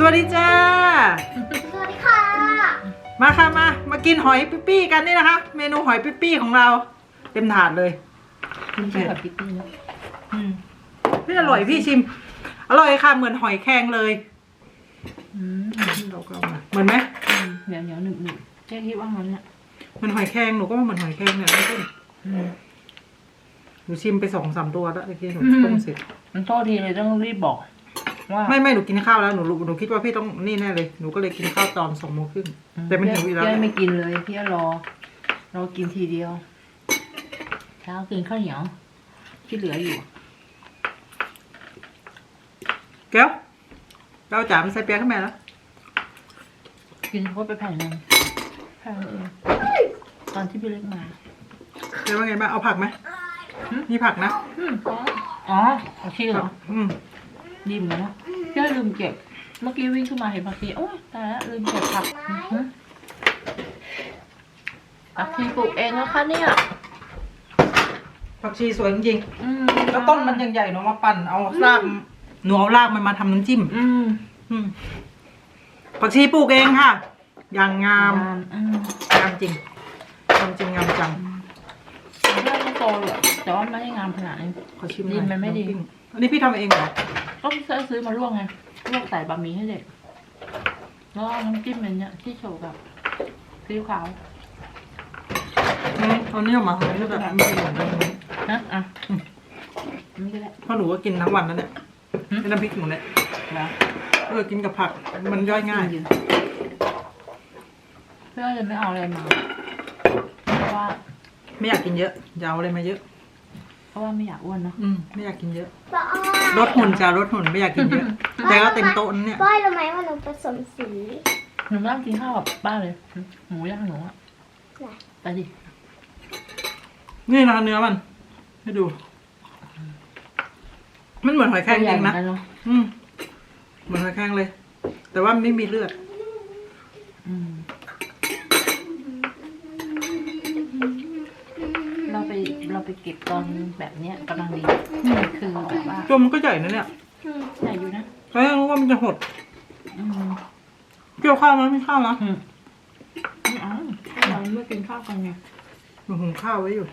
วัสดีจ้าสวัสดีค่ะมาค่ะมากินหอยปี้กันนี่นะคะเมนูหอยปี้ของเราเต็มถาดเลยไม่ใช่หอยปี้นะพี่อร่อยพี่ชิมอร่อยค่ะเหมือนหอยแครงเลยเราก็มาเหมือนไหมเหนียวหนึบเจ๊คิดว่างั้นเนี่ยเหมือนหอยแครงหนูก็ว่าเหมือนหอยแครงเนี่ยไม่ใช่หนูชิมไป2-3ตัวแล้วเมื่อกี้หนูต้มเสร็จมันโทษทีเลยต้องรีบบอกว่าไม่หนูกินข้าวแล้วหนูคิดว่าพี่ต้องนี่แน่เลยหนูก็เลยกินข้าวตอน2:30แต่มันหิวอีกแล้วพี่ไม่กินเลยพี่รอกินทีเดียวเช้ากินข้าวเหนียวที่เหลืออยู่แก้วเราจ่ามันใส่เปียกขึ้นมาแล้วกินเขาไปแผ่นนึงแผ่นเองตอนที่พี่เล็กมาเดี๋ยวว่าไงบ้างเอาผักไหมมีผักนะอ๋อผักชีเหรอดีเหมือนกันนะพี่ลืมเก็บเมื่อกี้วิ่งขึ้นมาเห็นผักชีโอ้ยตายแล้วลืมเก็บผักชีปลูกเองนะคะเนี่ยผักชีสวยจริงๆแล้วต้นมันยังใหญ่เนาะมาปั่นเอารากหนูเอารากมันมาทำน้ำจิ้มผักชีปลูกเองค่ะอย่างงามงามจริงงามจังไม่โตหรอกแต่ว่าไม่ได้งามขนาดนี้ขอชิมดินมันไม่ดีอันนี้พี่ทำเองเหรอก็ซื้อมาลวกไงลวกใส่บะหมี่ให้เด็กแล้วน้ำจิ้มเป็นเนี่ยที่โชว์กับซีอิ๊วขาวตอนนี้ออกมาให้แบบไม่ได้เหมือนกันนะไม่ได้เพราะหนูก็กินทั้งวันนั่นแหละไม่น้ำพริกหนูเนี่ยกินกับผักมันย่อยง่ายเพื่อจะไม่เอาอะไรมาเพราะว่าไม่อยากกินเยอะอย่าเอาอะไรมาเยอะเพราะว่าไม่อยากอ้วนเนาะไม่อยากกินเยอะลดหุ่นจ้าลดหุ่นไม่อยากกินเยอะแต่ก็เต็มโต๊ะเนี่ยป้ายรู้ไหมว่าหนูผสมสีหนูนั่งกินข้าวกับบ้านเลยหมูย่างหนูอะไปดินี่นะเนื้อมันให้ดูมันเหมือนหอยแครงจริงนะเหมือนหอยแครงเลยแต่ว่าไม่มีเลือดเราไปเก็บตอนแบบเนี้ยกำลังดีคือแบบว่าตัวมันก็ใหญ่นะเนี่ยใหญ่อยู่นะแต่ยังรู้ว่ามันจะหดเกี่ยวข้าวมั้ยไม่ข้าวนะเราเมื่อกินข้าวกันไงหนูหุงข้าวไว้อยู่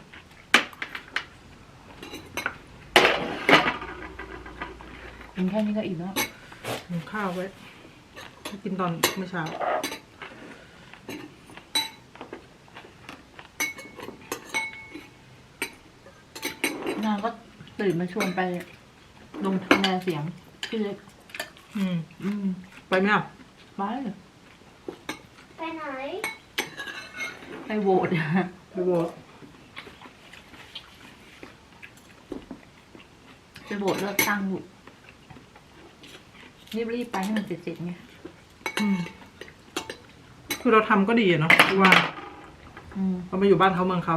กินแค่นี้ก็อิ่มแล้วหุงข้าวไว้กินตอนเมื่อเช้านางก็ตื่นมาชวนไปลงคะแนนเสียงพี่เล็กไปไหมอ่ะไปไหนไปโหวตไปโหวตเลือกตั้งอยู่รีบไปให้มันเสร็จไงคือเราทำก็ดีเนาะว่าเรามาอยู่บ้านเขาเมืองเขา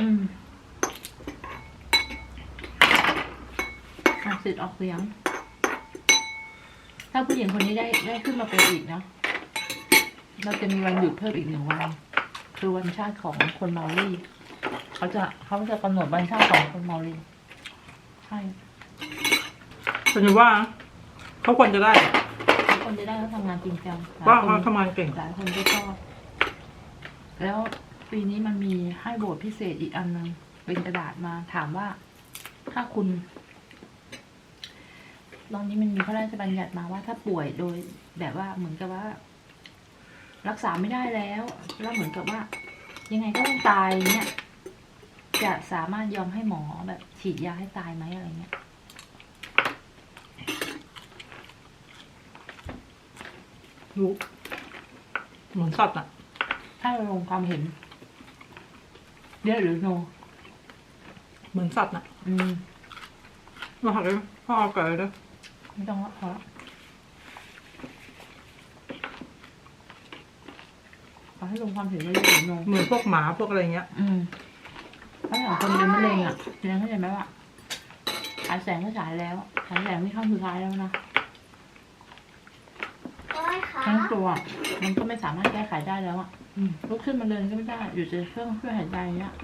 สิทธิ์ออกเสียงถ้าผู้หญิงคนนี้ได้ขึ้นมาเป็นอีกนะเราจะมีวันหยุดเพิ่มอีก1 วันคือวันชาติของคนเมาลี่เขาจะกำหนดวันชาติของคนเมาลี่ใช่ฉันว่าเขาควรจะได้แล้วทำงานจริงจังว่าเขาทำงานเก่งหลายคนก็ชอบแล้วปีนี้มันมีให้โหวตพิเศษอีกอันนึงเป็นกระดาษมาถามว่าถ้าคุณตอนนี้มันมีพระราชบัญญัติมาว่าถ้าป่วยโดยแบบว่าเหมือนกับว่ารักษาไม่ได้แล้วเหมือนกับว่ายังไงก็ต้องตายเนี่ยจะสามารถยอมให้หมอแบบฉีดยาให้ตายไหมอะไรเงี้ยรู้เหมือนสัตว์อ่ะถ้าเราลงความเห็นเดี๋ยวหรือโนเหมือนสัตว์อ่ะมาหักเลยพ่อเอาไก่เลยไม่ต้องละพอละเอาให้ลงความเห็นได้เลยลงเหมือนพวกหมาพวกอะไรเงี้ยถ้าอย่างคนเป็นมะเร็งอ่ะเรียนเข้าใจไหมว่าฉายแสงก็ฉายแล้วฉายแสงนี่เข้าสุดท้ายแล้วนะทั้งตัวมันก็ไม่สามารถแก้ไขได้แล้วอ่ะลุกขึ้นมาเดินก็ไม่ได้อยู่ในเครื่องช่วยหายใจเนี้ย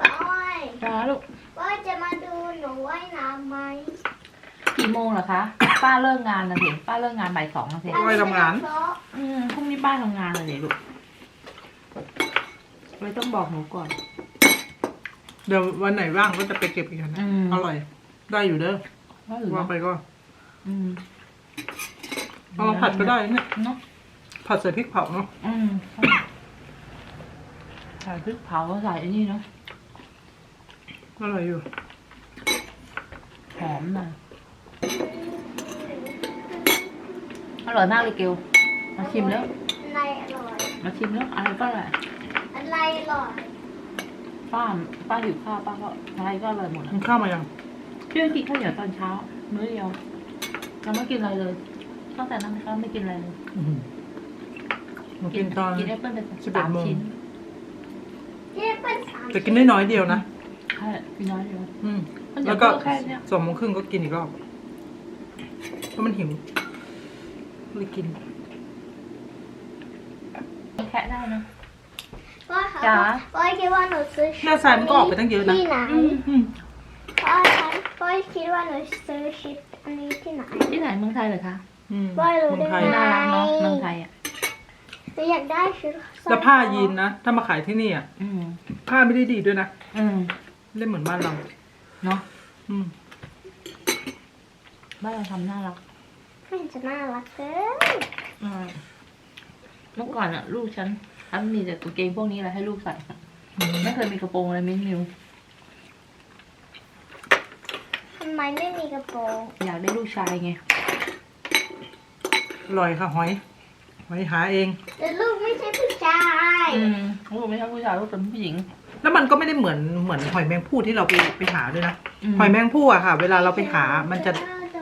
จ้าลูกว่าจะมาดูหนูว่ายน้ำไหมกี่โมงเหรอคะป้าเลิกงานนะเห็นป้าเลิกงานบ่าย 2นะเห็นไว้ทำงานพรุ่งนี้ป้าทำงานเลยลูกเลยต้องบอกหนูก่อนเดี๋ยววันไหนว่างก็จะไปเก็บอีกนะ อร่อย ได้อยู่เด้อว่าหรือว่าว่าไปก็อืมเอามาผัดก็ได้เนี่ยเนาะผัดใส่พริกเผาเนาะใส่พริกเผาใส่อันนี้เนาะอร่อยอยู่หอมหน่อยอร่อยมากเลยเกลมาชิมแล้วอะไรอร่อยมาชิมแล้วอะไรก็อร่อยอะไรอร่อยป้าหิวข้าวป้าก็อะไรก็อร่อยหมดมัอ่ะนข้าวมายังพี่กินข้าวเหนียวตอนเช้ามื้อเดียวยังไม่กินอะไรเลยตั้งแต่นั้นก็ไม่กินอะไรเลยหนูกินตอนกินแอปเปิ้ลไป 11 3 โมงชิ้นที่เป็นสามแต่กินได้น้อยเดียวนะใช่กินน้อยเดียว มันจะแล้วก็เพิ่มแค่เนี้ย 2:30ก็กินอีกรอบเพราะมันหิวเลยกินแค่ได้นะพ่อคะจ๋าพ่อคิดว่าหนูซื้อหน้าทรายมันก็ออกไปตั้งเยอะนะที่ไหนอืมพ่อคิดว่าหนูซื้อชุดอันนี้ที่ไหนที่ไหนเมืองไทยเหรอคะว่ารู้เมืองไทยได้น่ารักเนาะเมืองไทยอ่ะหนูอยากได้ชุดแล้วผ้ายีนนะ ถ้ามาขายที่นี่อ่ะอืมผ้าไม่ได้ดีด้วยนะอืมเล่นเหมือนบ้านเราเนาะอืมบ้านเราทำน่ารักไม่เห็นจะน่ารักเกินเมื่อก่อนอ่ะ ลูกฉันมีแต่กางเกงพวกนี้แหละให้ลูกใส่ไม่เคยมีกระโปรงอะไรมิ้นมิวทำไมไม่มีกระโปรงอยากได้ลูกชายไงอร่อยค่ะหอย หอยหาเองแต่ลูกไม่ใช่ผู้ชายลูกไม่ใช่ผู้ชายลูกเป็นผู้หญิงแล้วมันก็ไม่ได้เหมือนหอยแมงภู่ที่เราไปหาด้วยนะ หอยแมงภู่อะค่ะ เวลาเราไปหา มันจะ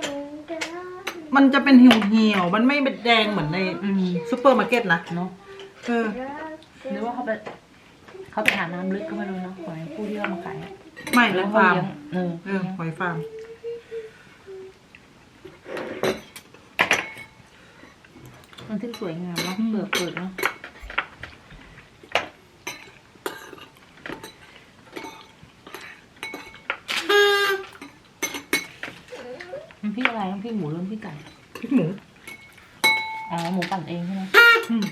เป็นเหี่ยวๆมันไม่เป็นแดงเหมือนในซูเปอร์มาร์เก็ตนะเนาะเออหรือว่าเขาไปหาน้ำลึกก็ไม่รู้เนาะหอยผู้ที่เรามาขายอะไม่แล้แล้ว วเขาฟาร์มเลี้ยงหอยฟาร์มมันถึงสวยงามเนาะเปิดเนาะมันพี่อะไรมันพี่หมูหรือพี่ไก่พริกหมูอ๋อหมูปั่นเองใช่ไหมอืม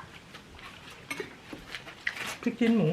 พริกชิ้นหมู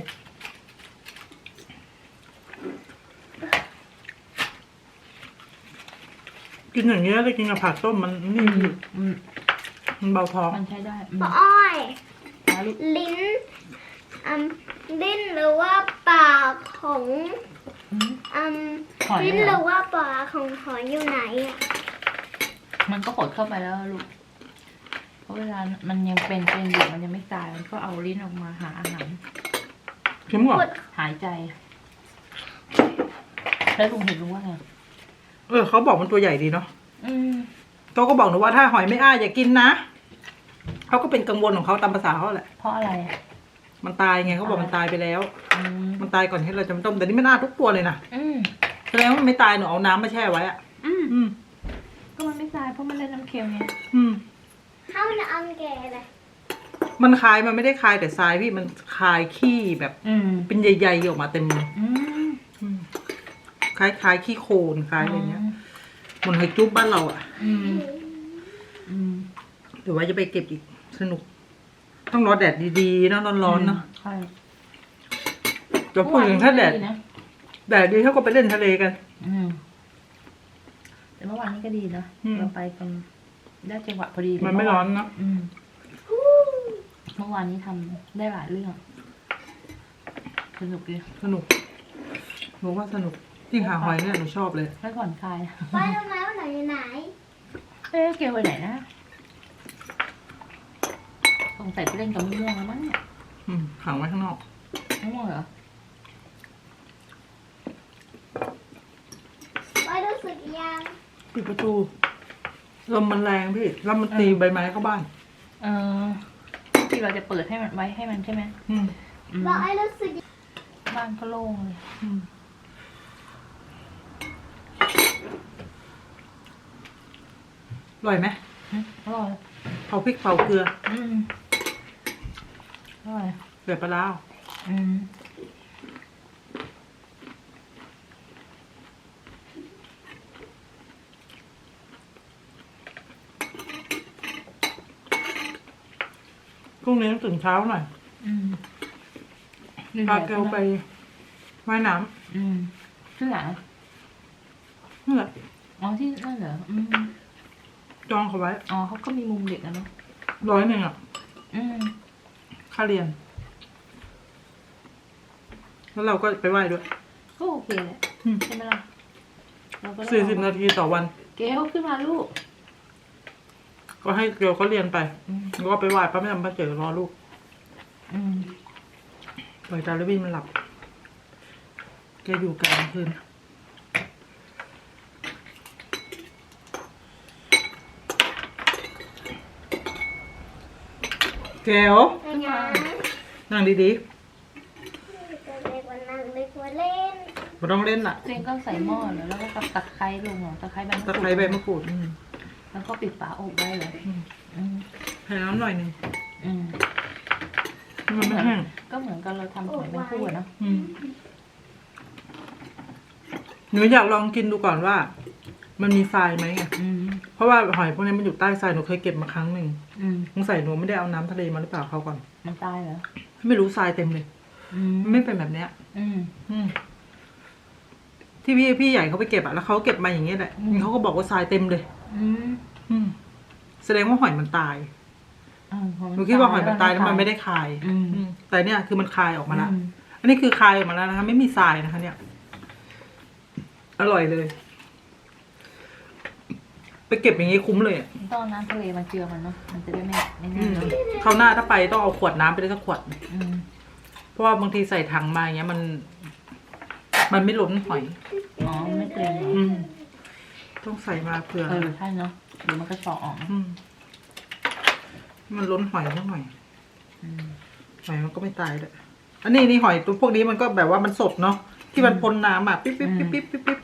กินอย่างเงี้ยได้กินกับผักต้มมันนี่อยู่อืมมันเบาท้องมันใช้ได้ป้าอ้อยแล้วลูกลิ้นลิ้นหรือว่าปากของหอยลิ้นเหหรรือ อว่าปากของหอยอยู่ไหนอ่ะมันก็หดเข้าไปแล้วลูกเพราะเวลามันยังเป็นอยู่มันยังไม่ตายมันก็เอาลิ้นออกมาหาอาหารเค็มกว่าหายใจแล้วลุงเห็นลุงว่าไงเขาบอกมันตัวใหญ่ดีเนาะอืมโตก็บอกหนูว่าถ้าหอยไม่อ้าอย่ากินนะเขาก็เป็นกังวลของเขาตามภาษาเขาแหละเพราะอะไรอ่ะมันตายไงเขาบอกมันตายไปแล้วอืมมันตายก่อนที่เราจะมาต้มแต่นี่มันอ้าทุกตัวเลยนะอืมแสดงว่ามันไม่ตายหนูเอาน้ำมาแช่ไว้อะอืมอืมก็มันไม่ตายเพราะมันเล่นน้ำเค็มไงอืมเข้าในอังแกเลยมันคายมันไม่ได้คายแต่ทรายพี่มันคายขี้แบบอืมเป็นใหญ่ๆออกมาเต็มเลยอืมอืมคล้ายขี้โคลนคล้ายอะไรเงี้ยเหมันหอยจุ๊บบ้านเราอะอืมอืมเดี๋ยวไว้จะไปเก็บอีกสนุก ต้องรอแดดดีๆเนอะร้อนๆเนาะใช่เดี๋ยวพูดถึงถ้าแดดนะแดดดีเขาก็ไปเล่นทะเลกันอืมแต่เมื่อวานนี้ก็ดีนะอืมเราไปกันได้จังหวะพอดีมันไม่ร้อนเนอะอืมเมื่อวานนี้ทำได้หลายเรื่องสนุกดีสนุกหนูว่าสนุกยิ่งหาหอยเนี่ยหนูชอบเลยไม่ผ่อนคลายไปทำไมว่าหนูอยู่ไหนเอ๊ะเกลไปไหนนะสงสัยไปเล่นกับมะม่วงแล้วมั้งเนี่ยขังไว้ข้างนอกมะม่วงเหรอไปรู้สึกยังปิดประตูลมมันแรงพี่แล้วมันตีใบไม้เข้าบ้านเออที่เราจะเปิดให้มันไว้ให้มันใช่ไหมอืมอืมบอกไอ้รู้สึกบ้านก็โล่งเลยอืมอร่อยไหมอร่อยเผาพริกเผาเกลืออืมอร่อยเกลือปลาร้าอืมรุ่งนี้ต้องตื่นเช้าหน่อยอืมพาเกลไปว่ายน้อืมที่ไหนำนี่แหละอ๋อที่นั่นเหรออืมจองเขาไว้อ๋อเขาก็มีมุมเด็กนะเนาะ 100อ่ะอืมค่าเรียน แล้วเราก็ไปไหว้ด้วยก็โอเคแหละอืมใช่ไหมล่ะเราก็ได้ 40 นาทีต่อวันเกลขึ้นมาลูกก็ให้เกลเขาเรียนไปอืมแล้วก็ไปไหว้ป้าแม่ป้าเจอรอลูกอืมปล่อยดาร์วินมันหลับ แกอยู่กลางคืน แกวยังไงนั่งดีเด็กวันนั่งเด็กวันเล่นๆไม่ต้องเล่นล่ะเจงก็ใส่หม้อแล้วก็กับตะไคร้ลงเหรอตะไคร้ใบมะกตะรูดไคร้ใบมะกรูดแล้วก็ปิดฝาอบไว้เลย อืมใส่น้ำหน่อยหนึงอืมให้มันไม่แห้งก็เหมือนกับเราทำหอยแมงคู่อะเนาะหนูอยากลองกินดูก่อนว่า มันมีทรายไหมไงอืมเพราะว่าหอยพวกนี้มันอยู่ใต้ทรายหนูเคยเก็บมาครั้งหนึ่งอืมสงสัยหนูไม่ได้เอาน้ำทะเลมาหรือเปล่าเขาก่อนมันตายเหรอไม่รู้ทรายเต็มเลยอืมมันไม่เป็นแบบเนี้ยอืมอืมที่พี่ใหญ่เขาไปเก็บอะแล้วเขาเก็บมาอย่างเงี้ยแหละอืมเขาก็บอกว่าทรายเต็มเลยอืมอืมแสดงว่าหอยมันตายพอหนูคิดว่าหอยมันตายแล้วมันไม่ได้คายอืมอืมแต่เนี่ยคือมันคายออกมาแล้วอืมอันนี้คือคายออกมาแล้วนะคะ ไม่มีทรายนะคะ เนี่ย อร่อยเลย ไปเก็บอย่างงี้คุ้มเลยอะต้องเอาน้ำทะเลมาเจือมันเนาะ มันจะได้ไม่อืแน่นมเนาะคราวหน้าถ้าไปต้องเอาขวดน้ำไปได้สักขวดอืมเพราะว่าบางทีใส่ถังมาอย่างเงี้ยมันไม่ล้นหอยอ๋อ ไม่เกรงเหรออืม ต้องใส่มาเผื่อใช่เนาะเดี๋ยวมันก็เฉาะออกอืมมันล้นหอยสักหน่อยอืมหอยมันก็ไม่ตายเลยอันนี้หอยตัวพวกนี้มันก็แบบว่ามันสดเนาะที่มันพ้นน้ำอ่ะปิ๊บปิ๊บปิ๊บปิ๊บปิ๊บปิ๊บ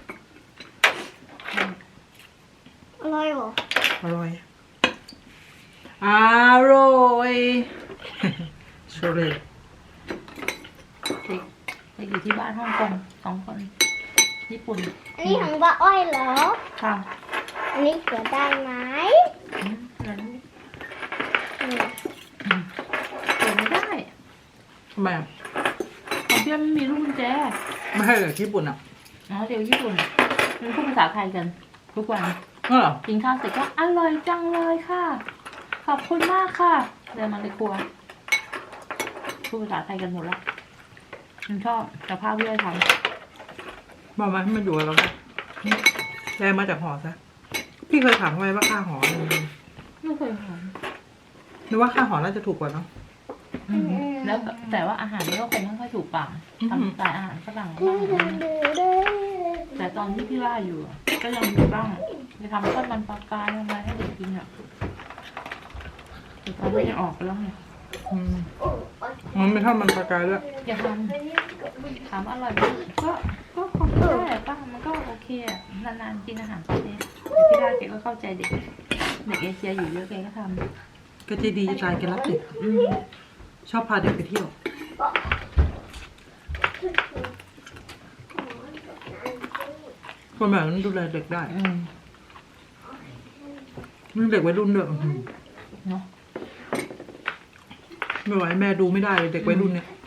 อร่อยเหรออร่อยอร่อยโชเลยเด็กเด็กอยู่ที่บ้านฮ่องกง2 คน ญี่ปุ่นอันนี้ของป้าอ้อยเหรอค่ะอันนี้เกิดได้ไหมนั้นอืมเปิดไม่ได้ทำไมอ่ะของพี่ไม่มีลูกกุญแจไม่ให้เหรอญี่ปุ่นอ่ะอ๋อเดี๋ยวญี่ปุ่นมันพูดภาษาไทยกัน ทุกวันก็เหรอกินข้าวเสร็จก็อร่อยจังเลยค่ะ ขอบคุณมากค่ะเดินมาในครัวพูดภาษาไทยกันหมดแล้วฉันชอบกับข้าวที่ได้ทบอกมาให้มันอยู่กับเราซะแรงมาจากหอซะพี่เคยถามเขาไหมว่าค่าหออะไรำไม่เคยทำหรือว่าค่าหอน่าจะถูกกว่าเนาะแล้วแต่ว่าอาหารนี่ก็คงไม่ค่อยถูกปากอืมทำสไตล์อาหารฝรั่งบ้างอะไรเงี้ยแต่ตอนที่พี่ว่าอยู่อะก็ยังมีบ้างจะทำทอดมันปลากรายอะไรให้เด็กกินอ่ะแต่ตอนนี้จะออกไปแล้วไงอืมมันไม่เท่ามันปลากายด้วยอย่าทำถามอร่อยไหมก็คงได้แหละป้ามันก็โอเคอะนานๆกินอาหารประเภทแต่พี่ว่าแกก็เข้าใจเด็กเอเชียอยู่เยอะแกก็ทำก็ใจดีจะตายแกรักเด็กอืมชอบพาเด็กไปเที่ยวคนแบบนั้นดูแลเด็กได้อืมนี่เด็กวัยรุ่นด้วยอื้อหือเนาะไม่ไหวแม่ดูไม่ได้เลยเด็กวัยรุ่นเนี่ย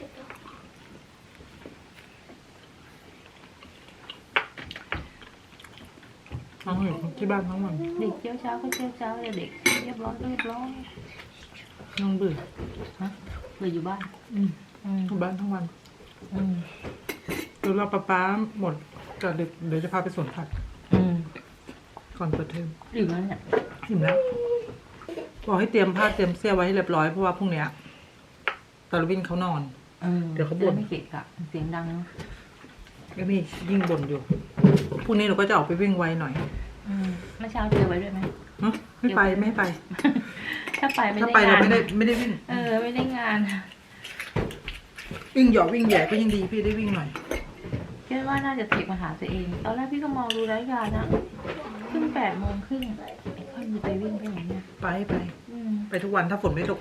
ทั้งอยู่ที่บ้านทั้งวันเด็กเจ้าเช้าก็เจ้าเช้าเด็กเรียบร้อยก็เรียบร้อยน้องเบื่อฮะเลยอยู่บ้านอืมอืมอยู่บ้านทั้งวันอืมเดี๋ยวเราป๊าหมดก็เดี๋ยวจะพาไปสวนผักอืมก่อนเปิดเทอมอยู่แล้วเนี่ยอิ่มแล้วบอกให้เตรียมผ้าเตรียมเสื้อไว้ให้เรียบร้อยเพราะว่าพรุ่งเนี้ยตาลวินเขานอน เดี๋ยวเขาบ่นไม่เกะกะเสียงดังเนอะก็มียิ่งบ่นอยู่พรุ่งนี้เราก็จะออกไปวิ่งไวหน่อยเมื่อเช้าเจอไว้ด้วยไหมฮะไม่ไปไม่ให้ไปถ้าไปไม่ถ้าได้ไปเรางานไม่ได้วิ่งไม่ได้งานวิ่งหยอกวิ่งแหย่ก็ยังดีพี่ได้วิ่งหน่อยคิดว่าน่าจะเทคมาหาตัวเอง ตอนแรกพี่ก็มองดูรายการนะขึ้น8 โมงครึ่งไอ้ค่อยมีไปวิ่งไปไหนเนี่ยไปอืมไปทุกวันถ้าฝนไม่ตก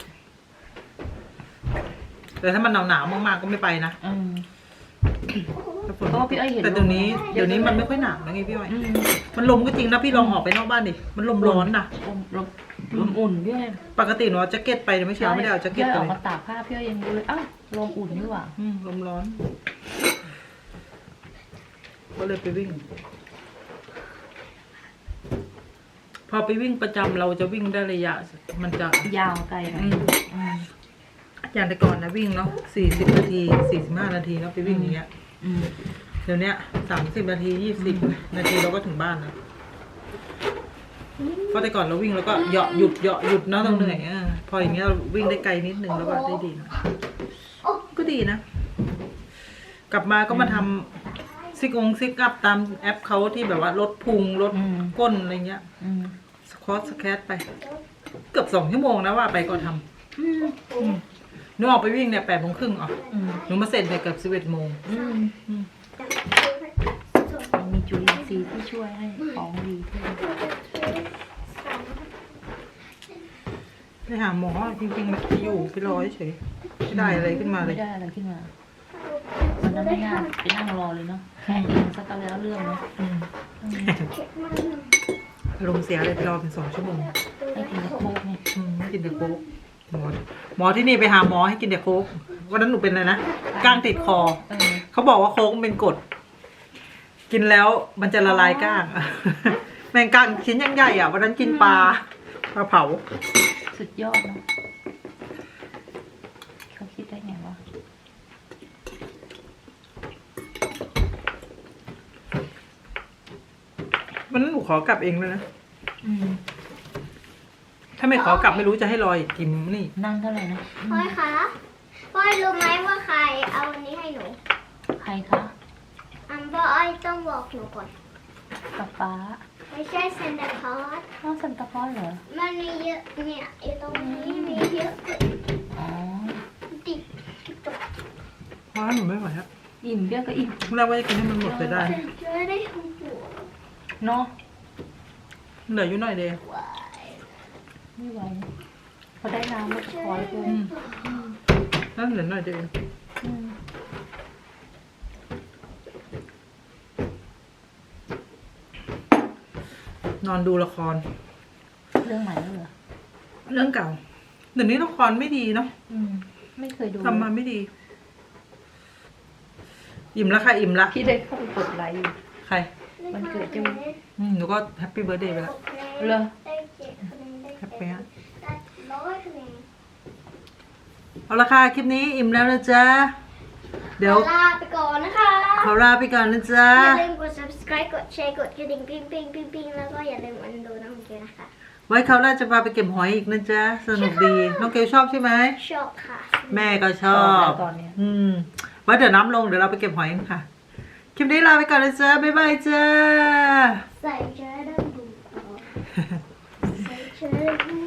แต่ถ้ามันหนาวมากๆก็ไม่ไปนะอืมถ้าฝนเพราะว่าพี่อ้อยเห็นแต่เดี๋ยวนี้ลมนะเดี๋ยวนี้มันไม่ค่อยหนาวนะไงพี่อ้อยอืมมันลมก็จริงนะพี่ลองออกไปนอกบ้านดิมันลมร้อนนะลมอุ่นๆพี่อ้อยปกติหนูเอาแจ็คเก็ตไปไม่เช้าไม่ได้เอาแจ็คเก็ตพี่ไปอ้อยออกมาตากผ้าพี่อ้อยยังดูเลยอ้าวลมอุ่นนี่หว่าลมร้อน ก็เลยไปวิ่ง พอไปวิ่งประจำเราจะวิ่งได้ระยะ มันจะยาวไกลหน่อยอืมอย่างแต่ก่อนนะวิ่งเนาะ40 นาที 45 นาทีแล้วไปวิ่งอย่างเงี้ยอืมเดี๋ยวเนี้ย30 นาที 20 นาทีเราก็ถึงบ้านแล้วเพราะแต่ก่อนเราวิ่งแล้วก็เหยาะหยุดเนาะต้องเหนื่อยพออย่างเงี้ยเราวิ่งได้ไกลนิดนึงแล้วก็ได้ดีนะก็ดีนะ กลับมาก็มาทำซิกอัพตามแอปเขาที่แบบว่าลดพุงลดก้นอะไรเงี้ยอืมสควอตสแคทไป เกือบ2 ชั่วโมงนะว่าไปก็ทำหนูออกไปวิ่งเนี่ย8:30อ่ะหนูมาเสร็จเนี่ยเกือบ11 โมงมีจุลินทรีย์ที่ช่วยให้ของดีขึ้นไปหาหมอจริงๆไปอยู่ไปรอเฉยไม่ได้อะไรขึ้นมาเลไม่ยได้อะไรขึ้นมาวันนั้นไม่น่าไปนั่งรอเลยเนาะแค่เองสักแล้วเรื่องเนาะอารมณ์เสียเลยไปรอเป็น2 ชั่วโมงให้กินแต่โค้กเนี่ยให้กินแต่โค้กหมอที่นี่ไปหาหมอให้กินแต่โค้กวันนั้นหนูเป็นอะไรนะก้างติดคอเขาบอกว่าโค้กเป็นกรดกินแล้วมันจะละลายก้าง แมงก้างชิ้นยังใหญ่อ่ะวันนั้นกินปลาเผาสุดยอดเนาะเขาคิดได้ไงวะวันนั้นหนูขอกลับเองเลยนะอืมถ้าไม่ขอกลับไม่รู้จะให้รอยกินนี่นั่งเท่าไหร่นะพ่อยคะพ่อยรู้ไหมว่าใครเอาอันนี้ให้หนูใครคะพ่ออ้อยต้องบอกหนูก่อนป๊าป๊าไม่ใช่เซนเดอร์คอร์สน้องซันตาคลอสเหรอมันมีเยอะเนี่ยอยู่ตรงนี้มีเยอะอ๋อติดเพราะหนูไม่ไหวครับอิ่มเบี้ยก็อิ่มแรกว่าจะกินให้มันหมดไปได้จะได้หัวเนาะเหลืออยู่หน่อยเดียวไม่ไหวพอได้น้ำแล้วก็คอยเลยนั่นเหลือหน่อยเดียวอืมนอนดูละครเรื่องใหม่แล้วเหรอเรื่องเก่าเดี๋ยวนี้ละครไม่ดีเนาะอืม ไม่เคยดูทำมาไม่ดี อิ่มแล้วค่ะอิ่มละพี่ได้เข้าไปกดไลค์อยู่ใครมันเกิดจะหนูก็แฮปปี้เบิร์ดเดย์ไปแล้วเหรอได้7 คะแนนได้แฮปปี้ฮะได้100 คะแนนเอาละค่ะคลิปนี้อิ่มแล้วนะจ๊ะเดี๋ยวลาไปก่อนนะคะขอลาไปก่อนนะจ๊ะอย่าลืมกด subscribe กดแชร์กดกระดิ่งปิ๊งปิ๊งปิ๊งปิ๊งแล้วก็อย่าลืมอันดูน้องเกลนะคะไว้คราวหน้าจะพาไปเก็บหอยอีกนะจ๊ะสนุกดีน้องเกลชอบใช่ไหมชอบค่ะแม่ก็ชอบตอนเนี้ยไว้เดี๋ยวน้ำลงเดี๋ยวเราไปเก็บหอยกันค่ะ คลิปนี้ลาไปก่อนนะจ๊ะ บ๊ายบายจ้าใส่เชื้อดำดูใส่เชื้อดำ